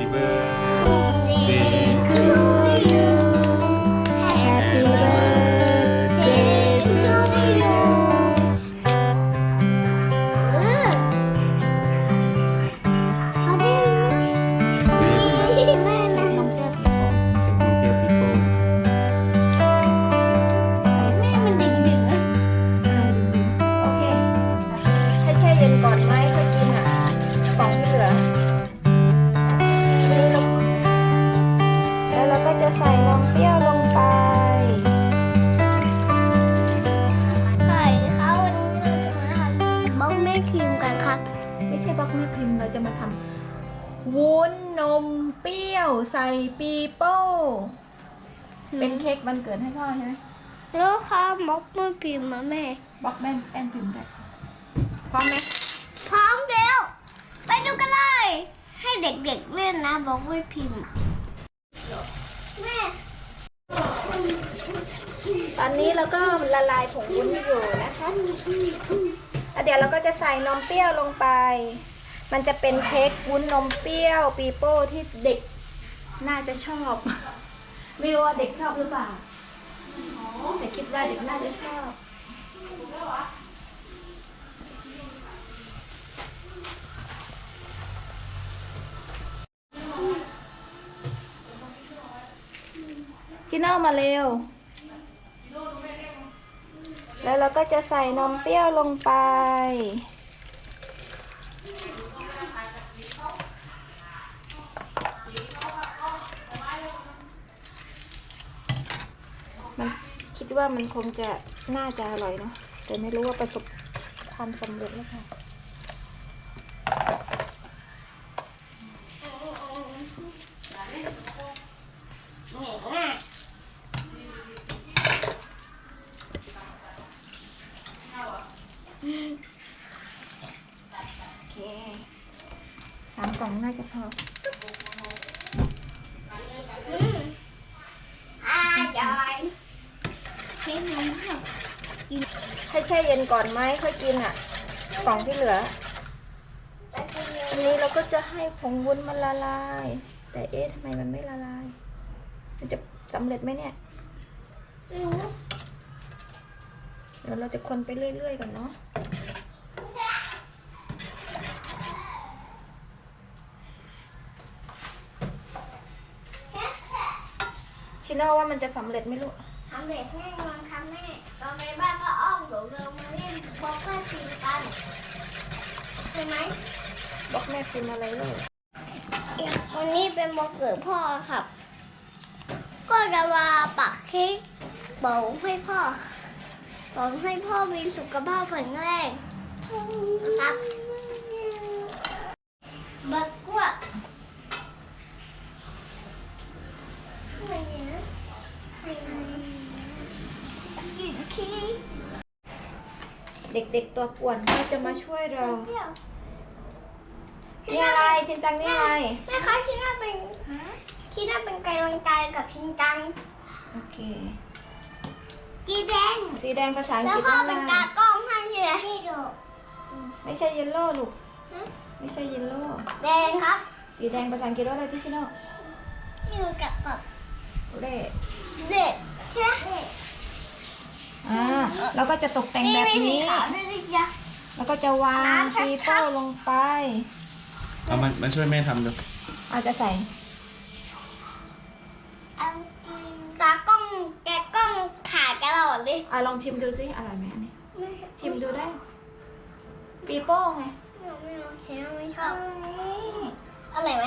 Happy birthday to you Happy birthday to you เขาได้แม่นะน้องเปรี้ยวปีโป้เค้กนมเปรี้ยวปีโป้แม่มันดึกๆนะโอเคให้แช่เย็นก่อนไหมค่อยกินอ่ะกล่องที่เหลือแล้วเราก็จะใส่นมเปรี้ยวลงไปใช่ค่ะวันนี้เราจะมาทำบล็อกแม่ครีมกันครับไม่ใช่บล็อกแม่ครีมเราจะมาทำวุ้นนมเปรี้ยวใส่ปีโป้เป็นเค้กวันเกิดให้พ่อใช่ไหมแล้วค่ะบล็อกแม่พิมพ์มาแม่บล็อกแป้นพิมพ์ด้วยพร้อมไหมพร้อมแล้ว ไปดูกันเลย ให้เด็กๆเล่นนะบล็อกแม่พิมพ์แม่ตอนนี้เราก็ละลายผงวุ้นอยู่นะคะแล้วเดี๋ยวเราก็จะใส่นมเปรี้ยวลงไป มันจะเป็นเค้กวุ้นนมเปรี้ยวปีโป้ที่เด็กน่าจะชอบ ไม่รู้ว่าเด็กชอบหรือเปล่าแต่คิดว่าเด็กน่าจะชอบชิโน่มาเร็วแล้วเราก็จะใส่นมเปรี้ยวลงไปมันคิดว่ามันคงจะน่าจะอร่อยเนาะแต่ไม่รู้ว่าประสบความสำเร็จหรือเปล่าโอเค3 กล่องน่าจะพอจอยเค้กนมค่ะให้แช่เย็นก่อนไหมค่อยกินอ่ะกล่องที่เหลืออันนี้เราก็จะให้ผงวุ้นมันละลายแต่เอ๊ะทำไมมันไม่ละลายมันจะสำเร็จไหมเนี่ยไม่รู้เดี๋ยวเราจะคนไปเรื่อยๆก่อนเนาะชิโน่ว่ามันจะสำเร็จไหมลูกทำเด็กแม่งอนทำแม่ตอนไปบ้านก็อ้อมเดี๋ยวเรามาเล่นบล็อกแม่พิมพ์กันใช่ไหมบอกแม่พิมพ์อะไรเลยวันนี้เป็นวันเกิดพ่อครับ ก็จะมาปักเค้กบอกให้พ่อบอกให้พ่อมีสุขภาพแข็งแรงนะครับบักกว่าอะไรนะกินขี้เด็กๆตัวป่วนก็จะมาช่วยเราเปรี้ยวนี่อะไรชินจังนี่อะไรแม่คะคิดว่าเป็นกำลังใจกับชินจังโอเคกีแดงสีแดงภาษาอังแล้วกฤษพ่อข้างเป็นล่าตาง กล้องให้เลยให้ดูไม่ใช่เยลโล่ลูกไม่ใช่เยลโล่แดงครับสีแดงภาษาอังกฤษว่าอะไรพี่ชิโน่ที่ดูกับแบบเร่เด็กใช่ไหมแล้วก็จะตกแต่งแบบมีสีนี้ขาวด้วยดิจ๊ะแล้วก็จะวางน้ำชัดๆปีโป้ลงไปเอามาช่วยแม่ทำดูอาจจะใส่เอาตากล้องแกะกล้องถ่ายตลอดเลยลองชิมดูซิอร่อยไหมอันนี้ชิมดูได้ ปีโป้ไงไม่รู้เค้กไม่ชอบอะไรไหม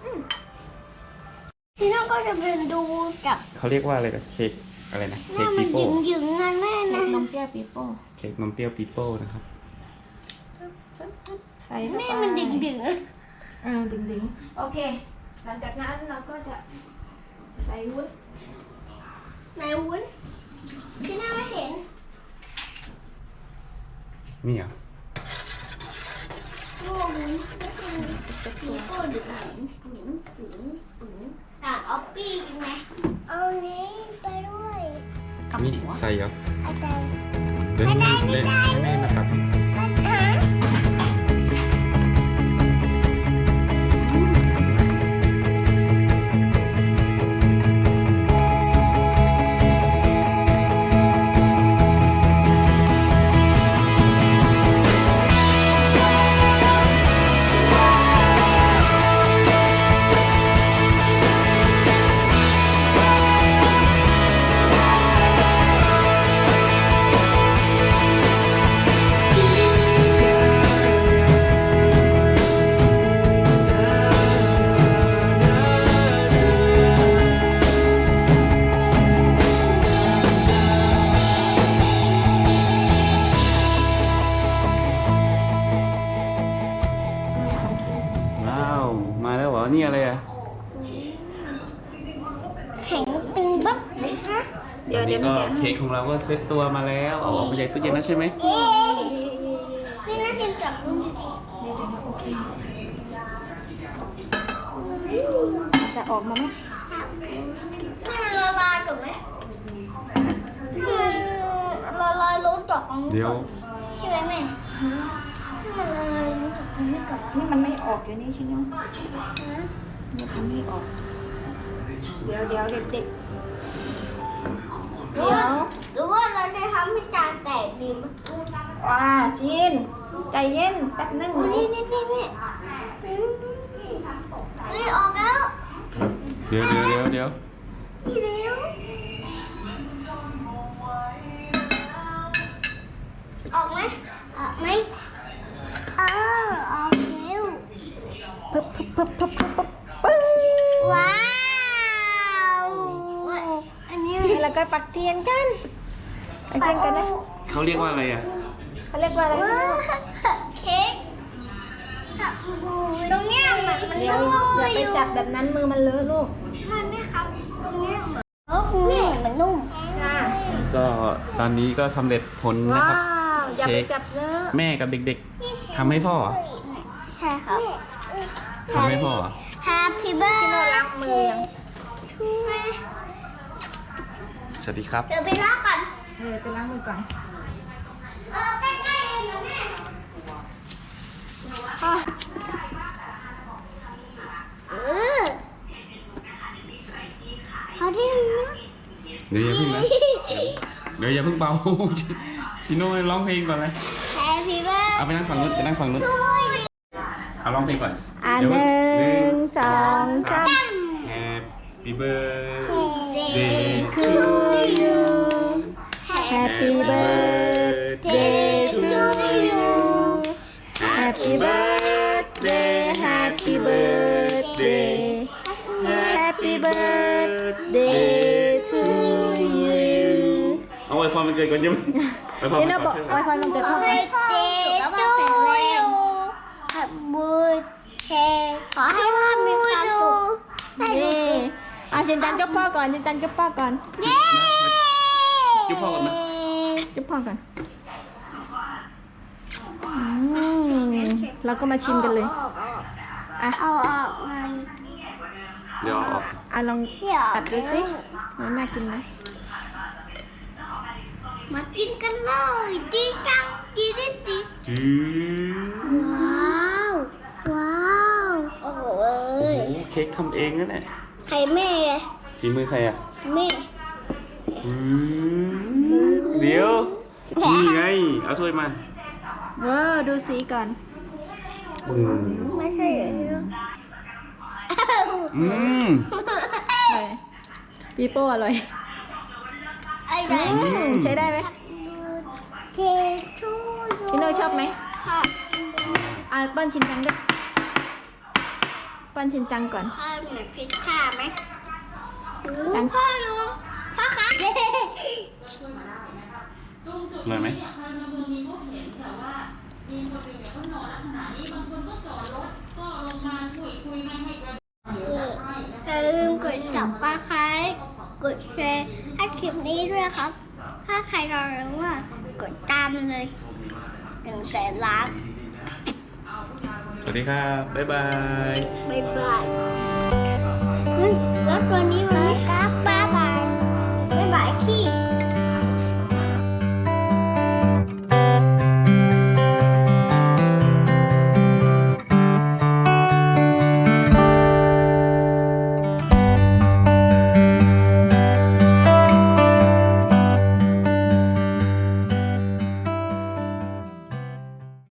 พี่น้องก็จะเป็นดูกับเขาเรียกว่าอะไรนะเค้กอะไรนะหเค้น้าก มัปีนโป้หยึงๆนะแม่เค้นะกนมเปรี้ยวปีโป้เค้กนมเปรี้ยวปีโป้นะครับใส่เข้าแม่ไปมันดึงๆนะดึงโอเค หลังจากนั้นเราก็จะใส่วุ้นไหนวุ้นพี่น้าไม่เห็นนี่เหรอโอ้วุ้นเซ็ตมีตัวโก้ดึงต่างออปปี้กินไหมเอานี้ไปด้วยนี่ใส่เหรออาจารย์เดี๋ยวให้แม่มาตัดนี่อะไรอ่ะแข็งตึงปั๊บเลยฮะเดี๋ยวตอนเดี๋นี้ยวก็มันเค้กของเราก็เซ็ตตัวมาแล้ว เอาออกมาจากตู้เย็นแล้วใช่ไหมเอ๊ะพี่น่าจะจับมือดีโอเคจะออกมาไหมให้มันละลายก่อนไหมให้มันละลายลงจากตรงนี้เดี๋ยวก่อนใช่ไหมแม่ให้มันละลายลงจากตรงนี้ก่อนนี่มันไม่ออกอยู่นี่ใช่ไหมมันทำไม่ออก เดี๋ยวเด็กๆเดี๋ยวหรือว่าเราจะทำให้จานแตกดีไหมชินใจเย็นแป๊บนึงนี่ออกแล้วเดี๋ยวนี่เร็วออกไหมออกไหมออกเร็วปึ๊บปึ้งว้าวอันนี้แล้วก็ปักเทียนกันปักเทียนกันนะเขาเรียกว่าอะไรอ่ะเขาเรียกว่าอะไรว้าวเค้กตรงเนี้ยมันเดี๋ยวสู้อย่าไปอยู่จับแบบนั้นมือมันเลอะลูกมันไม่ครับตรงเนี้ยนี่มันนุ่มค่ะก็ตอนนี้ก็สำเร็จผลนะว้าครับวอย่าเค้ไปกจับเลอะแม่กับเด็กๆทำให้พ่อเหรอใช่ครับทำให้พ่อเหรอ Happy พี่โน่ล้าง birthday มือยังสวัสดีครับเดี๋ยวไปล้างก่อนไปล้างมือก่อนใกล้ๆเองนะแม่ เขาที่นี่เดี๋ยวอย่าเพิ่งนะเดี๋ยวอย่าเพิ่งเป่า ชิโน่ร้องเพลงก่อนเลย Happy birthday เอาไปนั่งฝั่งนู้นเอาร้องเพลงก่อนหเดี๋ยวนึ่งสองสาม Happy birthday to you Happy birthday to you Happy birthday Happy birthday Happy birthday to you เอาไว้พรมันเกิดก่อนใช่ไหมไว้พรนี่มันเราบก่ออก นอวยพรวันเกิดพ่อให้พ่อสุขภาพแข็งแรงขอให้พ่อมีความสุขนี่เอาชินจันจุ๊บพ่อก่อนชินจันจุ๊บพ่อก่อนเย้จุ๊บพ่อก่อนไหมจุ๊บพ่อก่อนเราก็มาชิมกันเลยอ่ะเอาออกมาเดี๋ยวเอาออกลองตัดดูสิมันน่ากินไหมมากินกันเลยจีจังจีดิจีจื้อว้าวโอ้โหโอ้โหเค้กทำเองนั่นแหละใครแม่ฝีมือใครอ่ะแม่เดี๋ยวนี่ไงเอาถ้วยมาว้าวดูสีก่อนไม่ใช่เหรออืมปีโป้อร่อยไอ้ไหนใช้ได้ไหมเทชูพี่โน่ชอบไหมป้อนชินจังด้วยป้อนชินจังก่อนพ่อเหมือนพิซซ่าไหมลุงพ่อคะอร่อยไหมอย่าลืมกดสับปลาคล้ายกดแชร์ให้คลิปนี้ด้วยครับ ถ้าใครรอรู้ว่ากดตามเลย100,000 ล้านสวัสดีครับ บ๊ายบายบ๊ายบายเฮ้ยแล้วตัวนี้มันไม่กล้า